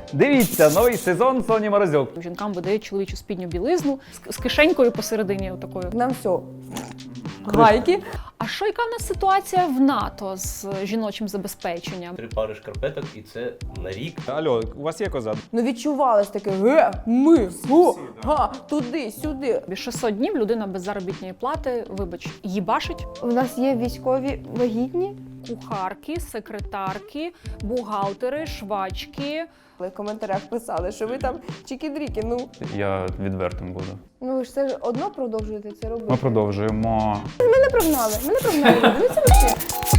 Дивіться, новий сезон Соні Морозюк. Жінкам видають чоловічу спідню білизну з кишенькою посередині отакою. Нам все. Гайки. А що, яка в нас ситуація в НАТО з жіночим забезпеченням? 3 пари шкарпеток і це на рік. Алло, у вас є коза? Ну відчувалось таке туди, сюди. 600 днів людина без заробітної плати, вибач, їбашить. У нас є військові вагітні. Кухарки, секретарки, бухгалтери, швачки. В коментарях писали, що ви там чики-дріки, ну. Я відвертим буду. Ну ви ж це ж одно продовжуєте це робити. Ми продовжуємо. Мене прогнали, люди. Ну це вообще.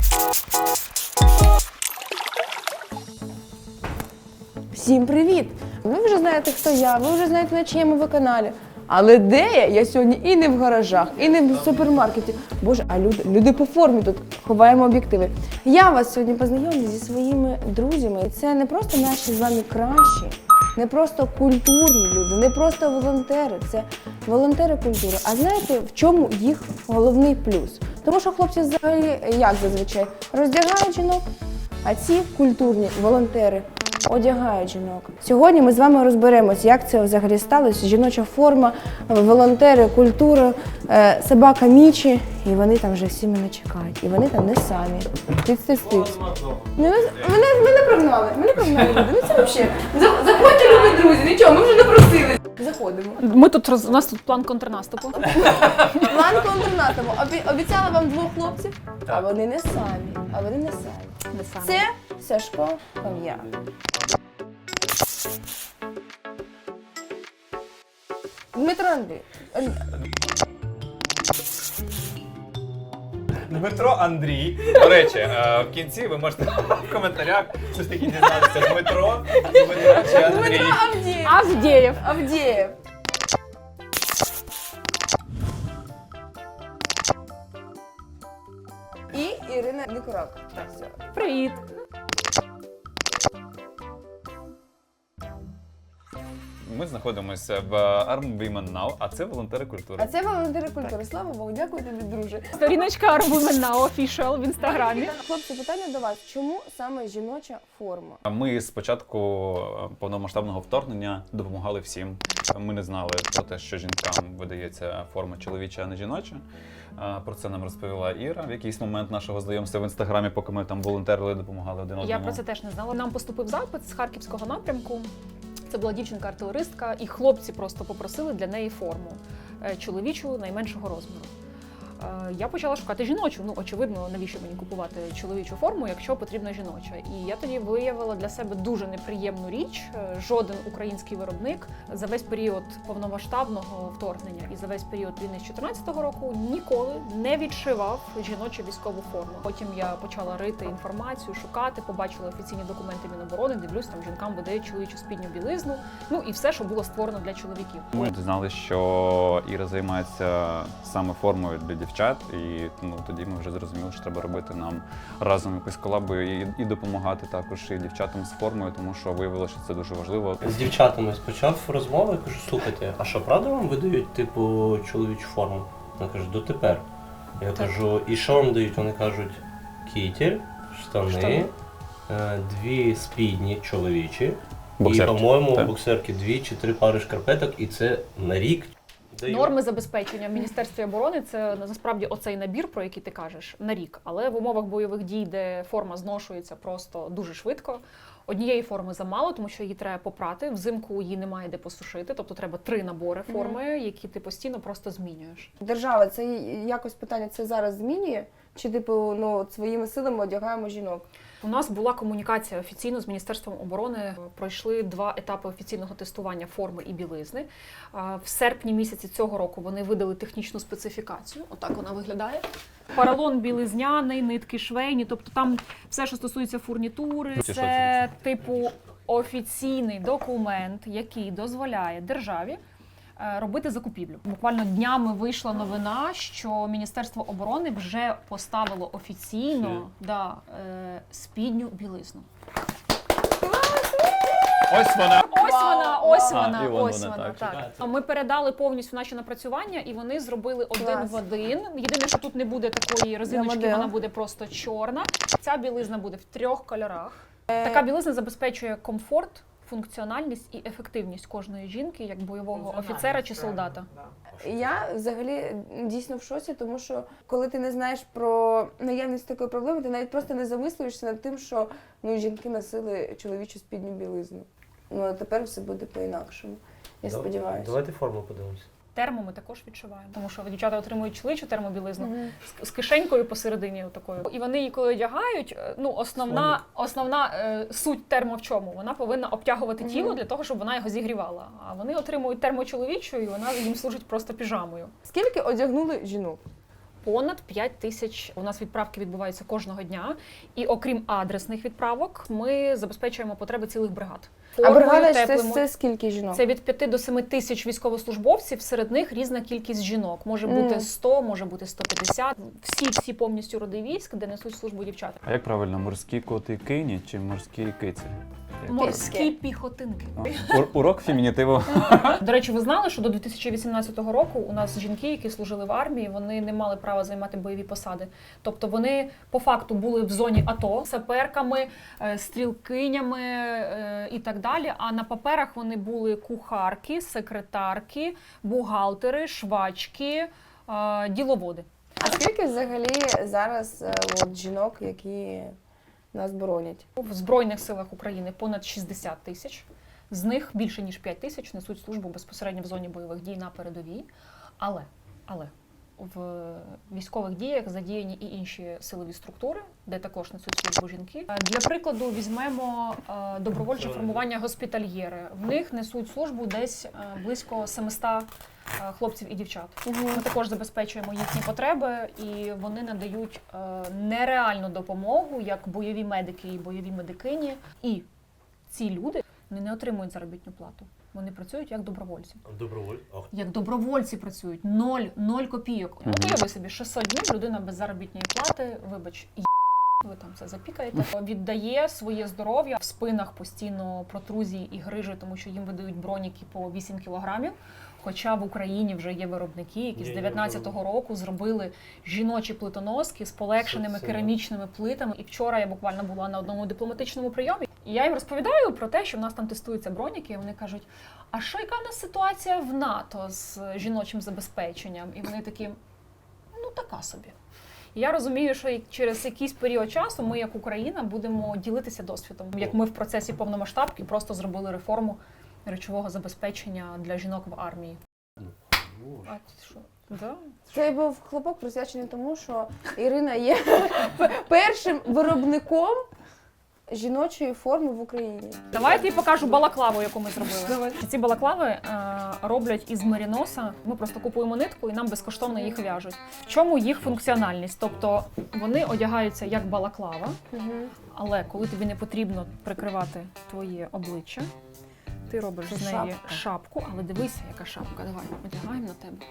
Всім привіт! Ви вже знаєте, хто я, ви вже знаєте, на чиєму ви каналі. Але де я? Я сьогодні і не в гаражах, і не в супермаркеті. Боже, а люди по формі тут, ховаємо об'єктиви. Я вас сьогодні познайомлю зі своїми друзями. І це не просто наші з вами кращі, не просто культурні люди, не просто волонтери. Це волонтери культури. А знаєте, в чому їх головний плюс? Тому що хлопці взагалі, як зазвичай, роздягають жінок, а ці культурні волонтери одягають жінок. Сьогодні ми з вами розберемось, як це взагалі сталося. Жіноча форма, волонтери, культура, собака Мічі. І вони там вже всі мене чекають. І вони там не самі. Тиць. Мене прогнали, люди. Ну це взагалі. Заходьте, любі друзі, нічого, ми вже не просили. Заходимо. У нас тут план контрнаступу. План контрнаступу. Обіцяла вам 2 хлопців, а вони не самі. Це Сашко Кам'я. Дмитро Андрій. Дмитро Андрій. До речі, в кінці ви можете в коментарях все ж таки дізнатися Дмитро чи Андрій. Авдєєв. І Ірина Никорак. Привіт. Ми знаходимося в Arm Women Now, а це волонтери культури. А це волонтери культури. Слава Богу, дякую тобі, друже. Сторіночка Women Now Official в інстаграмі. Хлопці, питання до вас. Чому саме жіноча форма? Ми з початку повномасштабного вторгнення допомагали всім. Ми не знали про те, що жінкам видається форма чоловіча, а не жіноча. Про це нам розповіла Іра в якийсь момент нашого знайомства в інстаграмі, поки ми там волонтерили, допомагали один одному. Я про це теж не знала. Нам поступив запит з харківського напрямку. Це була дівчинка-артилеристка, і хлопці просто попросили для неї форму чоловічу найменшого розміру. Я почала шукати жіночу. Ну, очевидно, навіщо мені купувати чоловічу форму, якщо потрібна жіноча. І я тоді виявила для себе дуже неприємну річ. Жоден український виробник за весь період повномасштабного вторгнення і за весь період війни з 2014 року ніколи не відшивав жіночу військову форму. Потім я почала рити інформацію, шукати, побачила офіційні документи Міноборони, дивлюсь, там жінкам видають чоловічу спідню білизну, ну і все, що було створено для чоловіків. Ми дізналися, що Іра займається саме формою для дівчат, і тоді ми вже зрозуміли, що треба робити нам разом якусь колабу і допомагати також і дівчатам з формою, тому що виявилося, що це дуже важливо. З дівчатами почав розмову, я кажу, слухайте, а що, правда вам видають, типу, чоловічу форму? Вона каже, дотепер. Я кажу, і що вам дають? Вони кажуть, кітель, штани, 2 спідні чоловічі, Боксерки. І, по-моєму, Так. боксерки 2 чи 3 пари шкарпеток, і це на рік. Норми забезпечення в Міністерстві оборони – це насправді оцей набір, про який ти кажеш, на рік. Але в умовах бойових дій, де форма зношується просто дуже швидко, однієї форми замало, тому що її треба попрати, взимку її немає де посушити, тобто треба 3 набори форми, які ти постійно просто змінюєш. Держава, це якось питання це зараз змінює? Чи типу, своїми силами одягаємо жінок? У нас була комунікація офіційно з Міністерством оборони. Пройшли 2 етапи офіційного тестування форми і білизни. В серпні місяці цього року вони видали технічну специфікацію. Отак вона виглядає. Поролон білизняний, нитки швейні, тобто там все, що стосується фурнітури. Це типу офіційний документ, який дозволяє державі робити закупівлю. Буквально днями вийшла новина, що Міністерство оборони вже поставило офіційно спідню білизну. Ось вона! Ось вона, так. Ми передали повністю наші напрацювання, і вони зробили один в один. Єдине, що тут не буде такої резиночки, вона буде просто чорна. Ця білизна буде в 3 кольорах. Така білизна забезпечує комфорт функціональність і ефективність кожної жінки як бойового офіцера чи солдата. Я взагалі дійсно в шоці, тому що коли ти не знаєш про наявність такої проблеми, ти навіть просто не замислюєшся над тим, що жінки носили чоловічу спідню білизну. Ну а тепер все буде по-інакшому. Я сподіваюся. Давайте форму подивимося. Термо ми також відчуваємо, тому що дівчата отримують чоловічу термобілизну з кишенькою посередині такою. І вони її коли одягають, основна суть термо в чому? Вона повинна обтягувати тіло для того, щоб вона його зігрівала. А вони отримують термочоловічу, і вона їм служить просто піжамою. Скільки одягнули жінок? Понад 5 тисяч у нас відправки відбуваються кожного дня. І окрім адресних відправок, ми забезпечуємо потреби цілих бригад. А бригада теплими. це скільки жінок? Це від 5 до 7 тисяч військовослужбовців, серед них різна кількість жінок. Може бути 100, може бути 150. Всі повністю роди військ, де несуть службу дівчата. А як правильно, морські коти-кині чи морські киці? Морські піхотинки. Урок фемінітиву. До речі, ви знали, що до 2018 року у нас жінки, які служили в армії, вони не мали права займати бойові посади. Тобто вони по факту були в зоні АТО саперками, стрілкинями і так далі. А на паперах вони були кухарки, секретарки, бухгалтери, швачки, діловоди. А скільки взагалі зараз жінок, які нас боронять? В Збройних силах України понад 60 тисяч. З них більше ніж 5 тисяч несуть службу безпосередньо в зоні бойових дій на передовій. Але в військових діях задіяні і інші силові структури, де також несуть службу жінки. Для прикладу візьмемо добровольче формування госпітальєри. В них несуть службу десь близько 700 хлопців і дівчат. Ми також забезпечуємо їхні потреби, і вони надають нереальну допомогу, як бойові медики і бойові медикині. І ці люди не отримують заробітну плату. Вони працюють як добровольці. Як добровольці працюють. 0 копійок. Уяви собі, 600 днів людина без заробітної плати, вибач, ви там це запікаєте, віддає своє здоров'я, в спинах постійно протрузії і грижі, тому що їм видають броніки по 8 кілограмів. Хоча в Україні вже є виробники, які з 19-го року зробили жіночі плитоноски з полегшеними керамічними плитами. І вчора я буквально була на одному дипломатичному прийомі. І я їм розповідаю про те, що в нас там тестуються броніки, і вони кажуть, а що, яка в нас ситуація в НАТО з жіночим забезпеченням? І вони такі, ну така собі. І я розумію, що через якийсь період часу ми, як Україна, будемо ділитися досвідом. Як ми в процесі повномасштабки просто зробили реформу речового забезпечення для жінок в армії. А що? Да? Це був хлопок присвячений тому, що Ірина є першим виробником жіночої форми в Україні. Давайте я покажу балаклаву, яку ми зробили. Ці балаклави роблять із меріноса. Ми просто купуємо нитку і нам безкоштовно їх в'яжуть. В чому їх функціональність? Тобто вони одягаються як балаклава, але коли тобі не потрібно прикривати твоє обличчя, ти робиш з неї шапку, але дивися, яка шапка. Давай, одягаємо на тебе.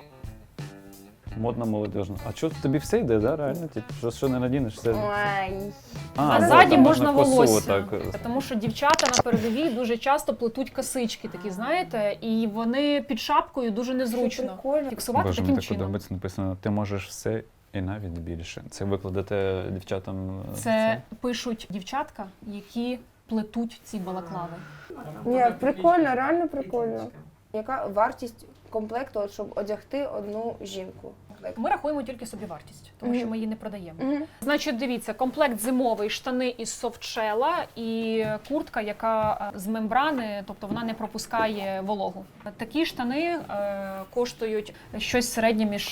Модна молодіжна. А що тобі все йде, да? Реально? Типу, що не надінеш, все. Ой. А ззаді можна волосся. Тому що дівчата на передовій дуже часто плетуть косички такі, знаєте, і вони під шапкою дуже незручно фіксувати Боже, таким мені так чином. подобається написано, ти можеш все і навіть більше. Це викладете дівчатам? Це пишуть дівчатка, які плетуть ці балаклави. Ні, прикольно, реально прикольно. Яка вартість комплекту, щоб одягти одну жінку? Ми рахуємо тільки собівартість, тому що ми її не продаємо. Значить, дивіться, комплект зимовий, штани із софтшела і куртка, яка з мембрани, тобто вона не пропускає вологу. Такі штани коштують щось середнє між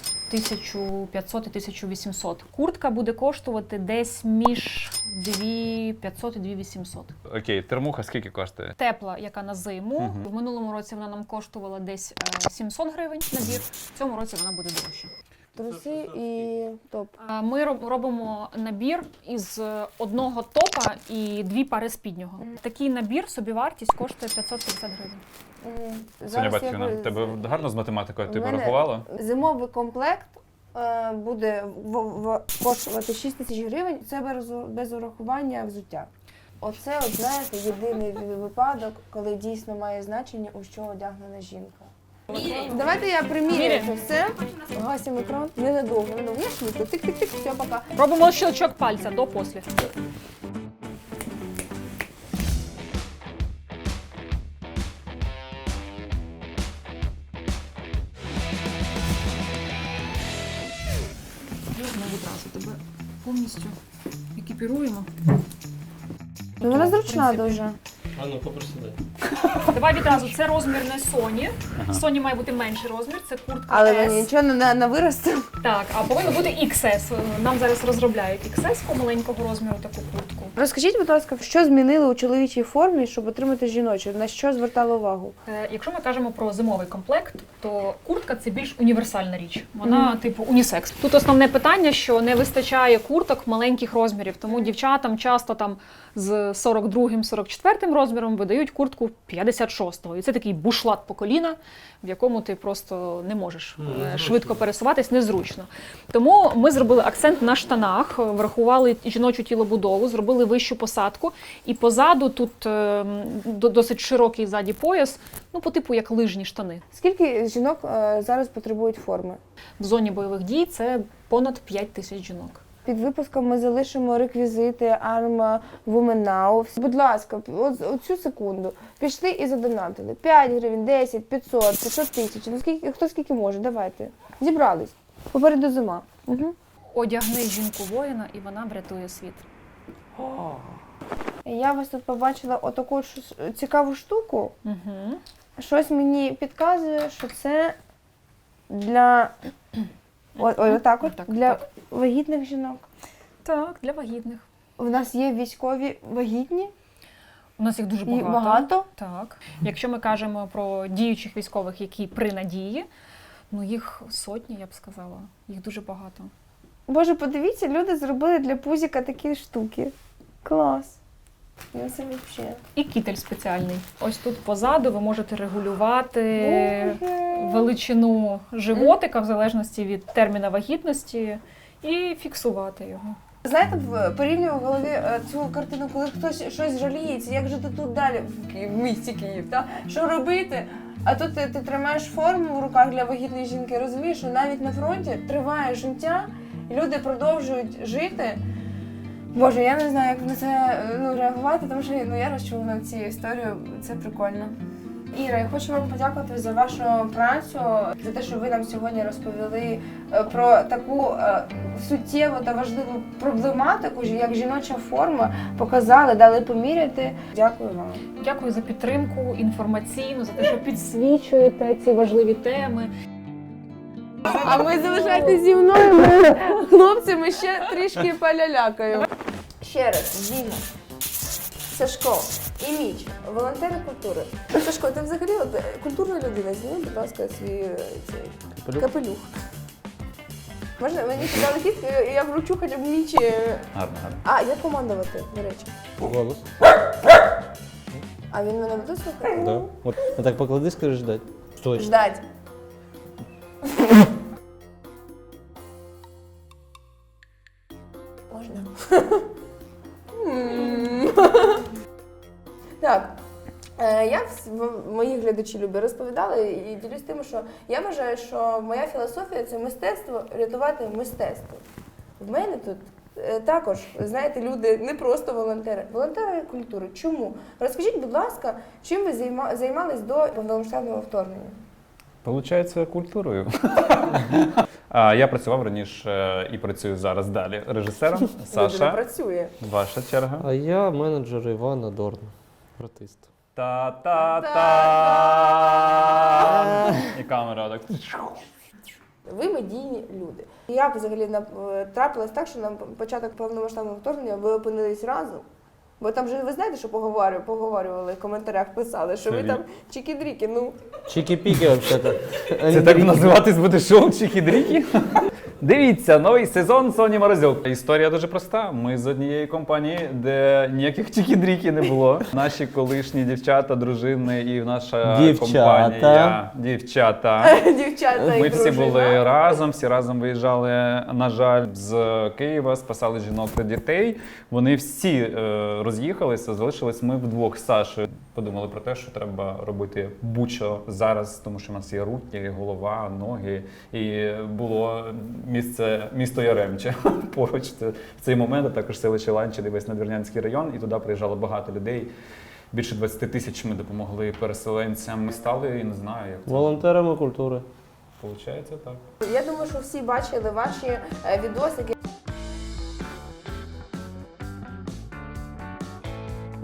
1500 і 1800. Куртка буде коштувати десь між 2500 і 2800. Окей, термуха скільки коштує? Тепла, яка на зиму. В минулому році вона нам коштувала десь 700 гривень набір. В цьому році вона буде дорожча. Труси і топ. Ми робимо набір із одного топа і 2 пари спіднього. Такий набір, собівартість коштує 550 гривень. Соня Батьківна, тебе гарно з математикою ти порахувала? Зимовий комплект буде коштувати 6 тисяч гривень, це без урахування взуття. Оце, от, знаєте, єдиний випадок, коли дійсно має значення, у що одягнена жінка. Давайте я примірю це все. Гасимо екран. Ненадовго. Я швидко. Тик-тик-тик, все, пока. Робимо щелчок пальця до-після. повністю екіпіруємо. Ну, вона В зручна принципі. дуже. А ну попроси дай. Давай відразу, це розмір не Соні. Соні має бути менший розмір, це куртка Але S. нічого не виросте. Так, а повинно бути XS. Нам зараз розробляють XS-ку маленького розміру таку куртку. Розкажіть, будь ласка, що змінили у чоловічій формі, щоб отримати жіночу? На що звертали увагу? Якщо ми кажемо про зимовий комплект, то куртка це більш універсальна річ. Вона типу унісекс. Тут основне питання, що не вистачає курток маленьких розмірів, тому дівчатам часто там з 42-44 розміром видають куртку 56-го. І це такий бушлат по коліна, в якому ти просто не можеш швидко пересуватись, незручно. Тому ми зробили акцент на штанах, врахували жіночу тілобудову, зробили вищу посадку. І позаду тут досить широкий ззаді пояс, ну по типу як лижні штани. Скільки жінок зараз потребують форми? В зоні бойових дій це понад 5 тисяч жінок. Під випуском ми залишимо реквізити Arma Women Now. Будь ласка, оцю секунду. Пішли і задонатили. 5 гривень, 10, 500, 500 тисяч. Ну, хто скільки може, давайте. Зібрались. Попереду зима. Угу. Одягни жінку-воїна, і вона врятує світ. Я вас тут побачила отаку цікаву штуку. Угу. Щось мені підказує, що це для отак от, Так, для так. вагітних жінок. Так, для вагітних. У нас є військові вагітні У нас їх дуже і багато. багато. Так. Якщо ми кажемо про діючих військових, які при надії, ну їх сотні, я б сказала. Їх дуже багато. Боже, подивіться, люди зробили для пузіка такі штуки. Клас. Ну це взагалі. І кітель спеціальний. Ось тут позаду ви можете регулювати величину животика в залежності від терміна вагітності і фіксувати його. Знаєте, порівнюю в голові цю картину, коли хтось щось жаліється, як жити тут далі, в місті Київ, та? Що робити? А тут ти тримаєш форму в руках для вагітної жінки, розумієш, що навіть на фронті триває життя, і люди продовжують жити. Боже, я не знаю, як на це реагувати, тому що я розчулена цією історією, це прикольно. Іра, я хочу вам подякувати за вашу працю, за те, що ви нам сьогодні розповіли про таку суттєву та важливу проблематику, як жіноча форма, показали, дали поміряти. Дякую вам. Дякую за підтримку інформаційну, за те, що підсвічуєте ці важливі теми. А ми залишайтеся зі мною, ми хлопцями ще трішки полялякаємо. Ще раз, Діна, Сашко і Міч, волонтери культури. Сашко, ти взагалі культурна людина, зніми, будь ласка, свій цей капелюх. Можна? Мені дали кітку, і я вручу хоча б Мічі. Гарно, гарно. А, як командувати, до речі? Голос. А він мене буде слухати? Да. Вот так поклади, скажи ждать. Стой. Ждать. Можна? Так. Я мої глядачі любі розповідала і ділюсь тим, що я вважаю, що моя філософія це мистецтво рятувати мистецтво. В мене тут також, знаєте, люди не просто волонтери культури. Чому? Розкажіть, будь ласка, чим ви займались до повномасштабного вторгнення? Получається культурою. Я працював раніше і працюю зараз далі режисером. Людина Саша, працює. ваша черга. А я менеджер Івана Дорна, артист. Та-та-та! І камера так. Ви медійні люди. Як взагалі трапилось так, що на початок повномасштабного вторгнення ви опинились разом? Бо там же ви знаєте, що поговорювали, в коментарях писали, що ви там чікі-дріки, ну. Чики-пики, взагалі-то. Це так називатись буде шоу Чікі-дрікі? Дивіться, новий сезон Соні Морозюк. Історія дуже проста. Ми з однієї компанії, де ніяких чікі-дрікі не було. Наші колишні дівчата, дружини і наша компанія. Дівчата. Дівчата і Ми всі дружина. були разом, всі разом виїжджали, на жаль, з Києва, спасали жінок та дітей. Вони всі роз'їхалися, залишились ми вдвох з Сашою. Подумали про те, що треба робити будь-що зараз, тому що в нас є руки, голова, ноги. І було місто Яремче поруч в цей момент, а також селище Ланчі, весь Надвірнянський район. І туди приїжджало багато людей. Більше 20 тисяч ми допомогли переселенцям. Ми стали, і не знаю, як це. Волонтерами культури. Получається так. Я думаю, що всі бачили ваші відосики.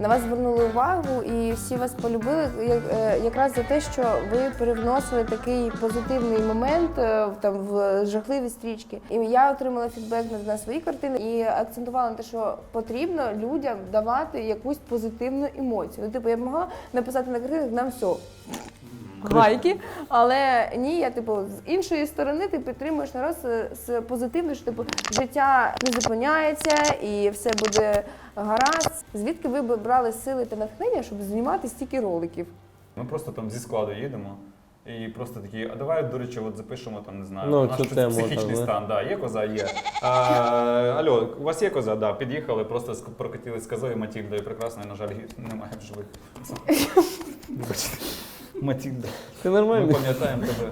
На вас звернули увагу і всі вас полюбили якраз за те, що ви привносили такий позитивний момент там в жахливі стрічки. І я отримала фідбек на свої картини і акцентувала на те, що потрібно людям давати якусь позитивну емоцію. Ну, типу, я б могла написати на картинах нам все. Гайки, але ні, я з іншої сторони ти підтримуєш народ з позитивною, що життя не зупиняється і все буде гаразд. Звідки ви б брали сили та натхнення, щоб знімати стільки роликів? Ми просто там зі складу їдемо і просто такі, а давай, до речі, от запишемо там, не знаю, Ну, наш цю тему, психічний так, стан. Да, є коза, є. Алло, у вас є коза? Да, під'їхали, просто прокатились з козою Матільдою прекрасною, на жаль, немає в живих. Вибачте. Матільда. Ти Ми нормальний? пам'ятаємо тебе.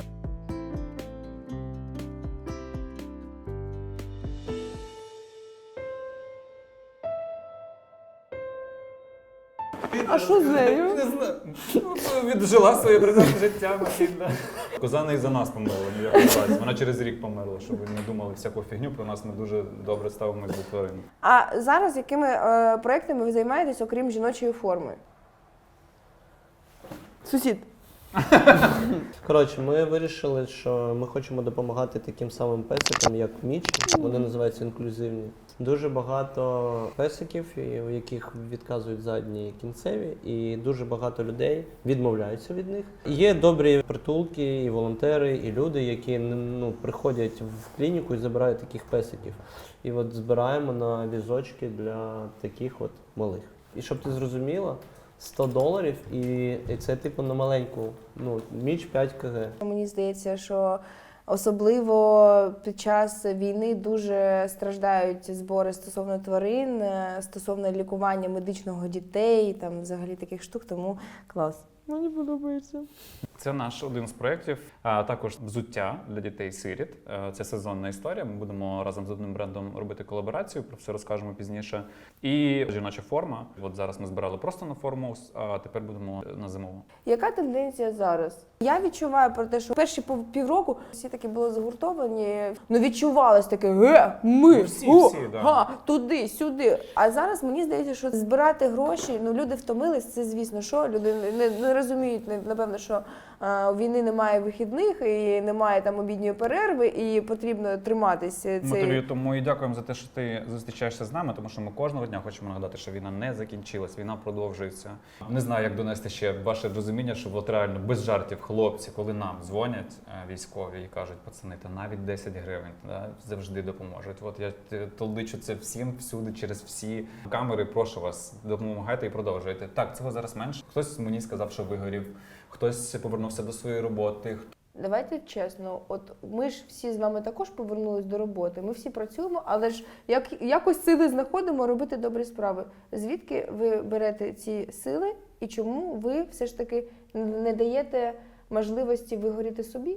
А що з нею? Не знаю. Віджила своє прекрасне життя, Матільда. Коза не із-за нас померла, ні в якому разі. Вона через рік померла, щоб ви не думали всяку фігню про нас. Ми дуже добре ставимось до тварин. А зараз якими проектами ви займаєтесь, окрім жіночої форми? Сусід. Коротше, ми вирішили, що ми хочемо допомагати таким самим песикам, як Мічі. Вони називаються інклюзивні. Дуже багато песиків, у яких відказують задні і кінцеві, і дуже багато людей відмовляються від них. Є добрі притулки, і волонтери, і люди, які приходять в клініку і забирають таких песиків. І от збираємо на візочки для таких от малих. І щоб ти зрозуміла, $100 і це типу на маленьку, Міч 5 кг. Мені здається, що особливо під час війни дуже страждають збори стосовно тварин, стосовно лікування медичного дітей, там взагалі таких штук, тому клас. Мені подобається. Це наш один з проєктів, а також взуття для дітей-сиріт. Це сезонна історія. Ми будемо разом з одним брендом робити колаборацію, про все розкажемо пізніше. І жіноча форма. От зараз ми збирали просто на форму, а тепер будемо на зимову. Яка тенденція зараз? Я відчуваю про те, що перші півроку всі таки були загуртовані, відчувалось таке ми, Всі, да. туди, сюди. А зараз мені здається, що збирати гроші, люди втомились, це звісно, що люди не розуміють, напевно, що у війни немає вихідних і немає там обідньої перерви, і потрібно триматися. Тому і дякуємо за те, що ти зустрічаєшся з нами, тому що ми кожного дня хочемо нагадати, що війна не закінчилась, війна продовжується. Не знаю, як донести ще ваше розуміння, що от реально без жартів хлопці, коли нам дзвонять військові і кажуть, пацани, та навіть 10 гривень завжди допоможуть. От я толдичу це всім, всюди, через всі камери, прошу вас, допомагайте і продовжуйте. Так, цього зараз менше. Хтось мені сказав, що вигорів, хтось повернувся до своєї роботи. Давайте чесно, от ми ж всі з вами також повернулись до роботи, ми всі працюємо, але ж якось сили знаходимо робити добрі справи. Звідки ви берете ці сили і чому ви все ж таки не даєте можливості вигоріти собі?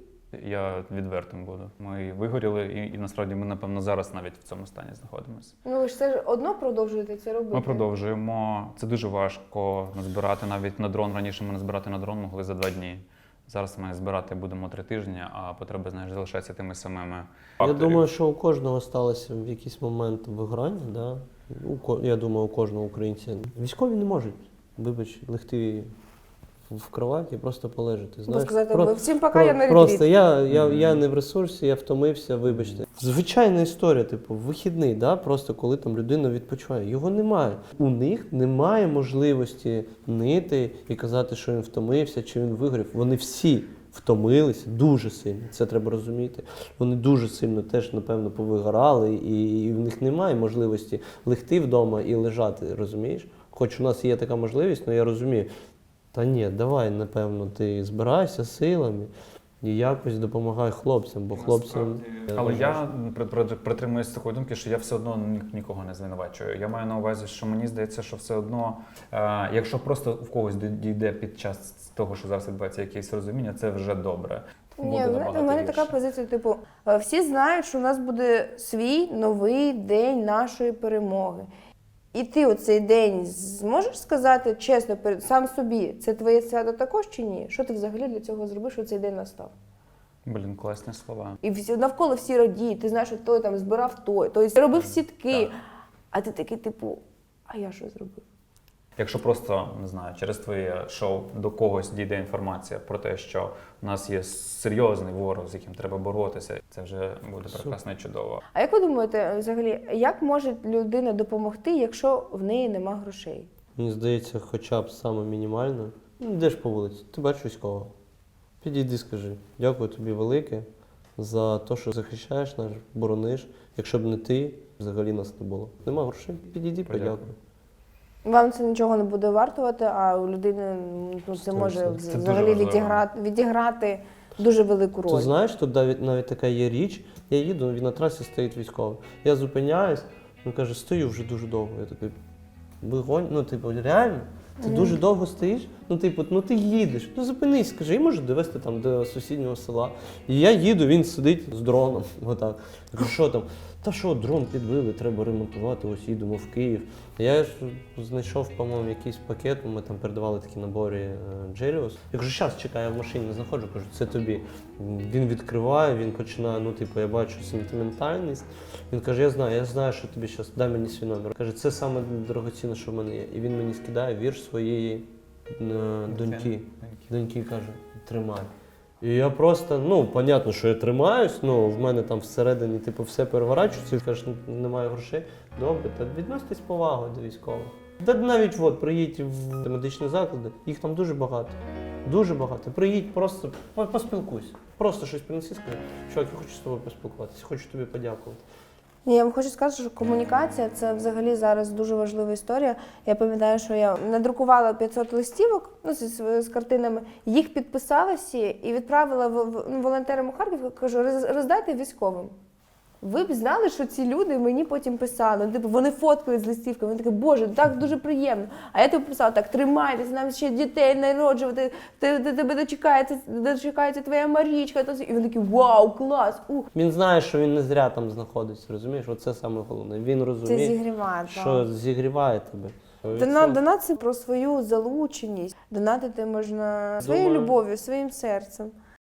Я відвертим буду. Ми вигоріли і насправді ми, напевно, зараз навіть в цьому стані знаходимося. Ви ж все ж одно продовжуєте це робити? Ми продовжуємо. Це дуже важко назбирати навіть на дрон. Раніше ми назбирати на дрон могли за 2 дні. Зараз ми збирати будемо 3 тижні, а потреби, залишаються тими самими. Я Факторів. думаю, що у кожного сталося в якийсь момент вигорання, да? Я думаю, у кожного українця. Військові не можуть, вибач, легти в кроваті і просто полежати. Знаєш, сказати, всім пока, я на ретріт. Просто я не в ресурсі, я втомився, вибачте. Звичайна історія, вихідний, да? Просто коли там людина відпочиває. Його немає. У них немає можливості нити і казати, що він втомився, чи він вигорів. Вони всі втомилися дуже сильно, це треба розуміти. Вони дуже сильно теж, напевно, повигорали, і в них немає можливості легти вдома і лежати, розумієш? Хоч у нас є така можливість, але я розумію, та ні, давай, напевно, ти збирайся силами і якось допомагай хлопцям, бо хлопцям... Але я притримуюся такої думки, що я все одно нікого не звинувачую. Я маю на увазі, що мені здається, що все одно, якщо просто в когось дійде під час того, що зараз відбувається якесь розуміння, це вже добре. Ні, у мене така позиція, всі знають, що у нас буде свій новий день нашої перемоги. І ти у цей день зможеш сказати чесно сам собі, це твоє свято також чи ні? Що ти взагалі для цього зробиш, що цей день настав? Блін, класні слова. І навколо всі радіють, ти знаєш, що той там збирав той робив сітки. Так. А ти такий, а я що зробив? Якщо просто, не знаю, через твоє шоу до когось дійде інформація про те, що в нас є серйозний ворог, з яким треба боротися, це вже буде прекрасно і чудово. А як ви думаєте, взагалі, як може людина допомогти, якщо в неї нема грошей? Мені здається, хоча б саме мінімально. Ну, йдеш по вулиці, ти бачиш військового. Підійди, скажи, дякую тобі велике за те, що захищаєш нас, борониш. Якщо б не ти, взагалі нас не було. Нема грошей, підійди, подякуй. Вам це нічого не буде вартувати, а у людини ну, це може Це дуже взагалі важливо. відіграти дуже велику роль. Ти знаєш, тут навіть така є річ, я їду, він на трасі стоїть військовий. Я зупиняюсь, він каже, стою вже дуже довго. Я такий, вигонь, ну типу, реально? Ти дуже довго стоїш? Ну, типу, ну ти їдеш, ну зупинись, скажи, я можу довести там до сусіднього села. І я їду, він сидить з дроном, отак. Я кажу, що там? Та що, дрон підбили, треба ремонтувати, ось їдемо в Київ. Я ж знайшов, по-моєму, якийсь пакет, ми там передавали такі набори Джеліус. Я кажу, зараз чекаю, я в машині не знаходжу, кажу, це тобі. Він відкриває, він починає, ну типу, я бачу сентиментальність. Він каже, я знаю, що тобі зараз, дай мені свій номер. Каже, це саме дорогоцінне, що в мене є. І він мені скидає вірш своєї доньки. Доньки каже, тримай. І я просто, ну, понятно, що я тримаюсь, ну, в мене там всередині, типу, все переворачується, і кажеш, немає грошей. Добре, та відноситесь повагою до військових. Та навіть от, приїдь в медичні заклади, їх там дуже багато. Дуже багато. Приїдь, просто поспілкуйся. Просто щось принеси, скажи, чувак, я хочу з тобою поспілкуватися, хочу тобі подякувати. Ні, я вам хочу сказати, що комунікація – це взагалі зараз дуже важлива історія. Я пам'ятаю, що я надрукувала 500 листівок ну, з картинами, їх підписала всі і відправила волонтерам у Харків, кажу, роздайте військовим. Ви б знали, що ці люди мені потім писали. Типу, вони фоткали з листівками, вони такі, боже, так дуже приємно. А я тобі писала, так, тримайтеся, нам ще дітей народжувати, тебе дочекається твоя Марічка. І вони такі, вау, клас, ух. Він знає, що він не зря там знаходиться, розумієш? Оце саме головне. Він Це розуміє, зігріває. що зігріває тебе. Донат – це про свою залученість. Донатити можна своєю Думаю. любов'ю, своїм серцем.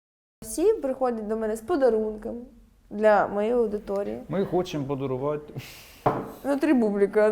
Всі приходять до мене з подарунками для моєї аудиторії. Ми хочемо подарувати. Внутрі бубліка.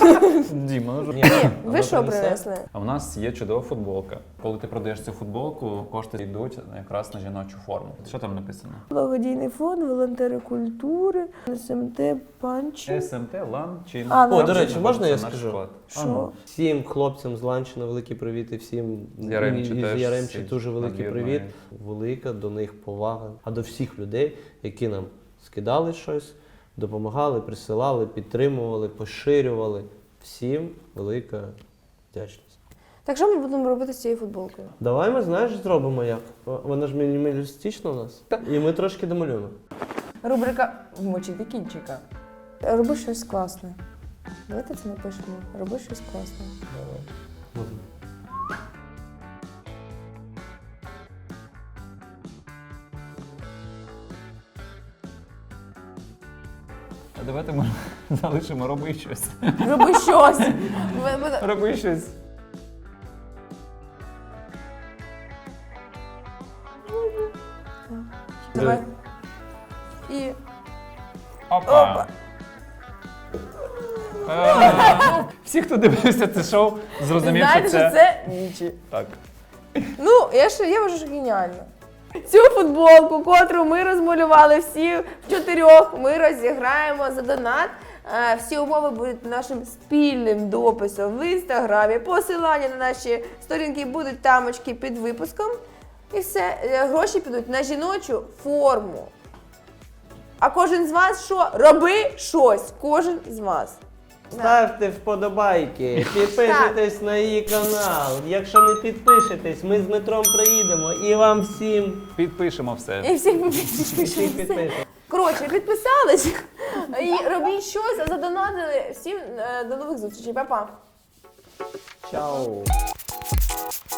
Діма, ну Ні, Ви що принесли? А в нас є чудова футболка. Коли ти продаєш цю футболку, кошти йдуть якраз на жіночу форму. Що там написано? Благодійний фонд, волонтери культури, СМТ, Панч. СМТ, Лан, Чин. А, ну, О, до речі, можна я Це наш скажу? склад. Що? Всім хлопцям з Ланчина великі привіт і всім З Яремчі із теж Яремчі всі дуже великий надвірної. привіт. Велика до них повага. А до всіх людей, які нам скидали щось, допомагали, присилали, підтримували, поширювали. Всім велика вдячність. Так що ми будемо робити з цією футболкою? Давай ми, знаєш, зробимо як. Вона ж мінімалістична у нас. І ми трошки домалюємо. Рубрика «Вмочити кінчика». Роби щось класне. Давайте це напишемо. Роби щось класне. А давайте ми залишимо роби щось. Роби щось! Роби щось. Давай. І... Опа. Всі, хто дивився це шоу, зрозумів, Знаєте, що що це... це нічі. Так. Ну, я вважаю, що геніально. Цю футболку, котру ми розмалювали всі в 4, ми розіграємо за донат. Всі умови будуть нашим спільним дописом в інстаграмі. Посилання на наші сторінки будуть тамочки під випуском. І все, гроші підуть на жіночу форму. А кожен з вас що? Роби щось. Кожен з вас. Ставте вподобайки, підписуйтесь на її канал. Якщо не підпишетесь, ми з Дмитром приїдемо і вам всім Підпишемо все. І всіх підпишемо. Коротше, підписались і робіть щось, а задонатили. Всім до нових зустрічей. Па-па. Чао.